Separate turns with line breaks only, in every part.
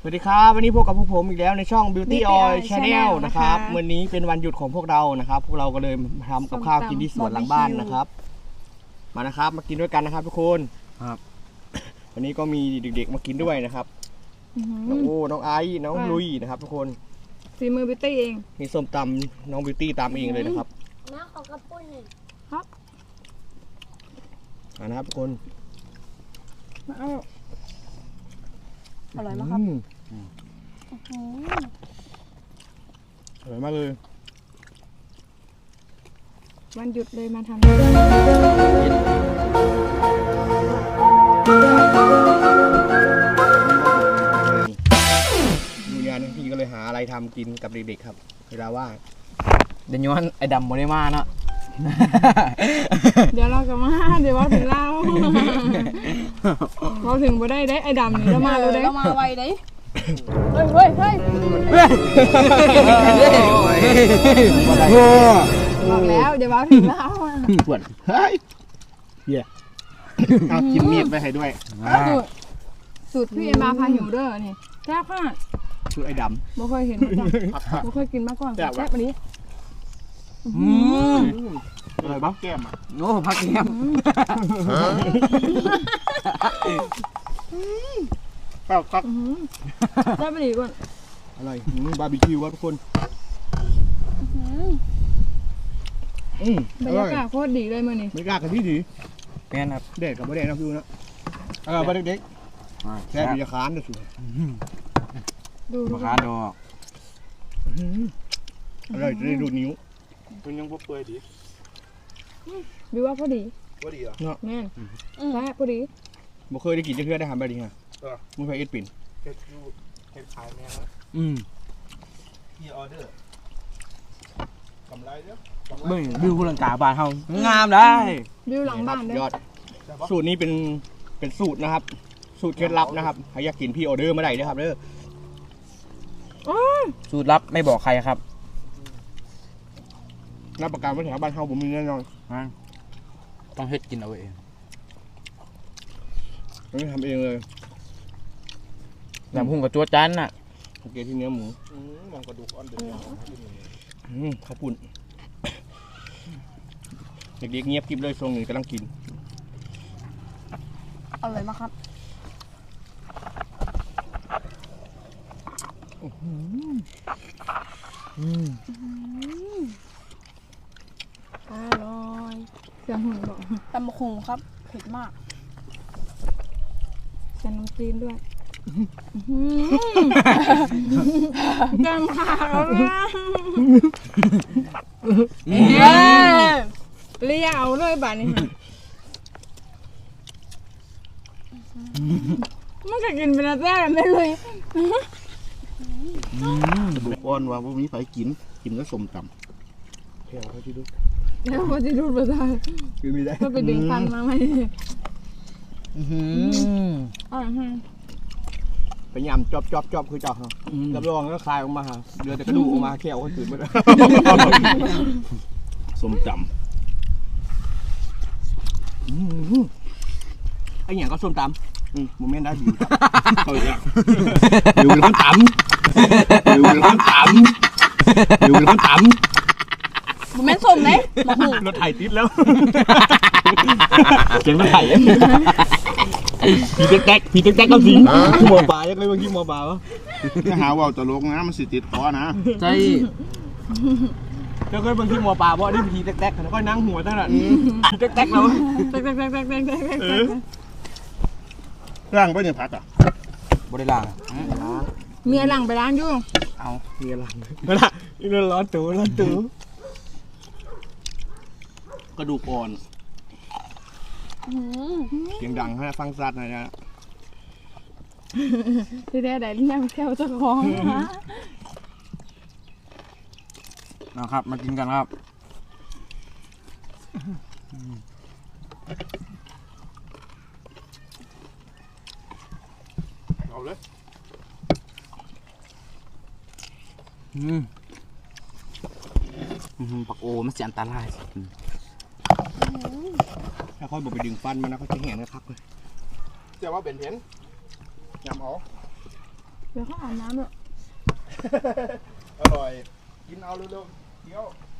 วัสดีครับวันนี้พบกับพวกผมอีกแล้วในช่อง Beauty Oil Channel นะครับวันนี้เป็นวันหยุดของพวกเรานะครับพวกเราก็เลยทำกับข้าวกินที่สวนหลังบ้านนะครับมานะครับมากินด้วยกันนะครับทุกคนครับวันนี้ก็มีเด็กๆมากินด้วยนะครับน้องโอ้น้องไอซ์น้องลุยนะครับทุกคน
ฝีมือ Beauty เอง
มีส้มตำน้อง Beauty ตำเองเลยนะครับ
น้าขอกระปุ้นหนึ่ง
ครับ
นะครับทุกคน
อร่อยมากครับ
อร่อยมากเลย
วันหยุดเลยมาทำ
ดูงานพี่ก็เลยหาอะไรทำกินกับเด็กๆครับเวลาว่าง
เดี๋ยวย้อนไอ้ดำโมได้มาเนาะ
เดี๋ยวเราก็มาเดี๋ยวว่าถึงเราเราถึงบ่ได้ไอ้ดำนี่เรามาเราได้
มาไวได้
เฮ้ยบอกแล้วเดี๋ยวว่าถึงเรา
ปวดเฮ้ยเหี้ยเอากินมีดไปให้ด้วย
สูตรพี่เอ็มมาพาหิวเด้อนี่แซ่บมาก
สูตรไอ้ดำ
บ่เคยเห็นมาก่อนบ่เคยกินมาก่อนแซ่บวันนี้
อะไรบ้างแก้มอ่ะ
โน้พักแก้ม
เปล่าครับ
ได้ไปดีก่อน
อะไรบาร์บีคิววะทุกคน
บรรยากาศโคตรดีเลยมื้อนี้
บรรยากาศกันที่ดี
แม่นครับ
เด็กกับเด็กนะพี่นะบ้านเด็กแค่ปีจะค้านนะสิ
ดู
ขาดอก
อะไรจะได้ดูนิ้วมันยังเปื่อยดี
บิวว่าพอดี
เนาะ
แม่นแซ่บพอดี
บ่เคยได้กินเพื่อได้ทำแบบนี้ฮะมึงไปเอ็ดปิ่น
เฮ็ดขายแม่ที่ออเดอร์กำไรเด้อ
บึ้งบิวคุณลังกาบานเฮางามได้
บิวหลังบ้านเด้
อยอดสูตรนี้เป็นสูตรนะครับสูตรเคล็ดลับนะครับใครอยากกินพี่ออเดอร์เมื่อไหร่นะครับเด้อ
สูตรลับไม่บอกใครครับ
รับประกันว่าแถวบ้านเฮาผมมีแน่นอน
ต้องเฮ็ดกินเอาเอง
ไม่ทำเองเลย
น้ำพุ่งกับจั่วจันน่ะ
โอเคที่เนื้อหมู
มองกระดูกอ่อนเดือด
ข้าวปุ่นเด็กๆเงียบกริบเลยทรงหนึ่งกำลังกิน
อร่อยมากครับอร่อยเสียงหุ่นบอก
ตำบักหุ่งครับเผ็ดมาก
ใส่น้ำจีนด้วยจังค่ะเลี้ยเอาเลยบ้านนี้มันก็กินเป็นแซ่บไม่เลย
บุกอ่อนว่าพวกนี้ไปกินก็สมตำแค่เขาที่ดู
แล้วเขาที่ดูประสาท
คือมีได้
ก็ไปดึงฟันมาไหม
ไปยำจอบคือจอบรับรองก็คลายออกมาฮะเดือดแต่กระดูกออกมาแค่เอาตื่นมาสมตำไอ้อย่างก็ส้มตำโมเมนต์ได้บิวเขาอีกแล้วบิวเป็นคนตำบิวเป็นคนตำบิวเป็นคนตำ
โมเมนต์สมไหม
รถไถติดแล้วเสียงรถไถพี่แจ๊กกับสิงที่หมอปลายังเลยบางทีหมอปลาวะ
ถ้าหาว่าตลกนะมันสิติดคอนะ
ใช่
แล้วก็บางทีหมอปลาเพราะนี่พี่แจ๊กแล้วก็นั่งหัวตั้งแต่แจ๊กแล้ว
ร่างไปเนี่ยพักอ่ะ
บริล่าง
เมียหลังไปล้างอยู่
เอา
เมียหลังนั่นแหละนี่ร้อนตัวกระดูกอ่อนเสียงดังให้ฟังซัดหน่อยนะ
ที่แท้ได้เลี้ยงแถวเจ้าของ
นะครับมากินกันครับ
เอาเลย
ปักโอมันเสียอันตราย
ถ้าค่อยบอกไปดึงฟันมันนะเขาจะแหงนะครับเลย
เจ้าว่าเป็นเห็นยำเอา
เดี๋ยวเขาอาบน้ำด้วย
อร่อย กินเอาเร็วๆเดี๋ยว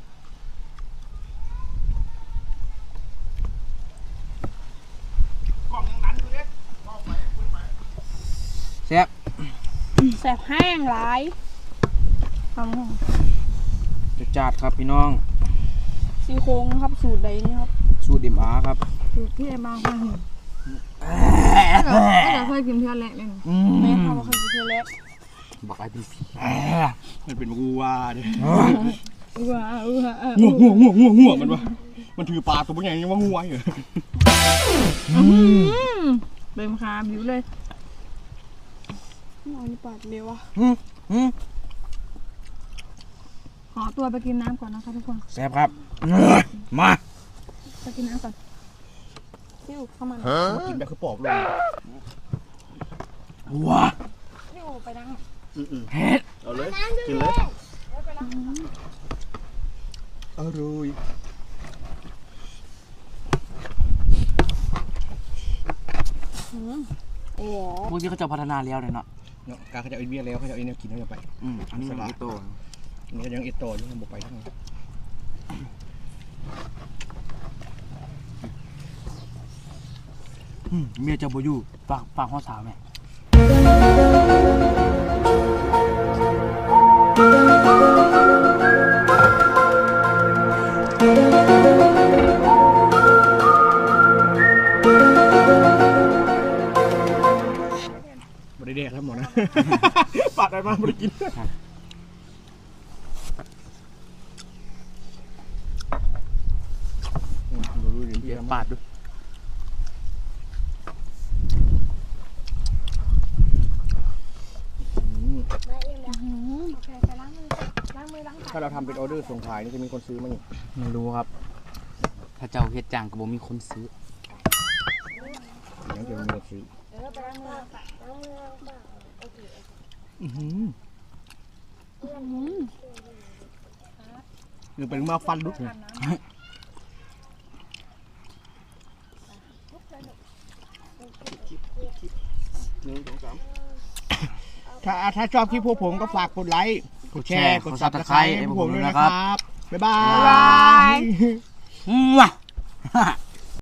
กล่องยังนั้นอยู่เนี่ยกล่องไปคุยไป
แซ่บ
แสบแห้งหลาย
เอาห้อง
จัดครับพี่น้อง
ซี่โครงนะครับสูตรใดนี่ครับ
สูตรดิมอาครับ
สูตรพี่เอ็มมาพาหิวก็เคยกินเท่าแรกเลยนะ
แม่ทำมาเคยกินเทเล็ก
บอกไอ้เป็นผี
มันเป็นงูว่าเด้
ว้าว
งัวมันวะมันถือปลาตัวเป็นไงยังว่างูไว้เหรอ
เบิ่มคาบิวเลย
นอนปาดเร็วอ่ะ
ขอตัวไปกินน้ำก่อนนะคะทุกคน
แซ่บครับมา
ไปกินน้ำก่อน
ซิ่วเข้ามา
มากินแบบคือปอบลง
ว้า
ซิ่วไปนั่ง
เฮ็ด
เอาเลยกินเลยอร่อย
โอ้โห
พวกที่เขาจะพัฒนาแล้วเนี่ยเนาะ
เนาะการเขาจะเอาอินเวียแล้วเขาจะเอาอินเนียกินเขาจะไป
อันนี้มันอีโต
อันนี้ก็ยังเอตโตอยู่ยังบุกไปทั้งนั้น
เมียเจะบ่อยู่ฝากห้องสาวไหม
บริเดกครับหมอนะปาดอะไรมาบริกินดูดิ
เดี๋ยวปาดดู
โอเคไปล้างมือล้างมือล้างปาก
ถ้าเราทำเป็นออเดอร์ส่งขายนี่จะมีคนซื้อมั้ย
ไม่รู้ครับ ถ้าเจ้าเฮ็ดจังก็บ่มีคนซื้อ
ยังจะมีคนซื้อ
ไปล้างมือล้างปากล้างมือล้างปากโอเค
หรือเป็นมาฟันลุกเลยถ้าชอบคลิปพวกผมก็ฝากกดไลค์ กดแชร์ กด Subscribe ให้พวกผมด้วยนะครับ บ๊ายบาย
ว้า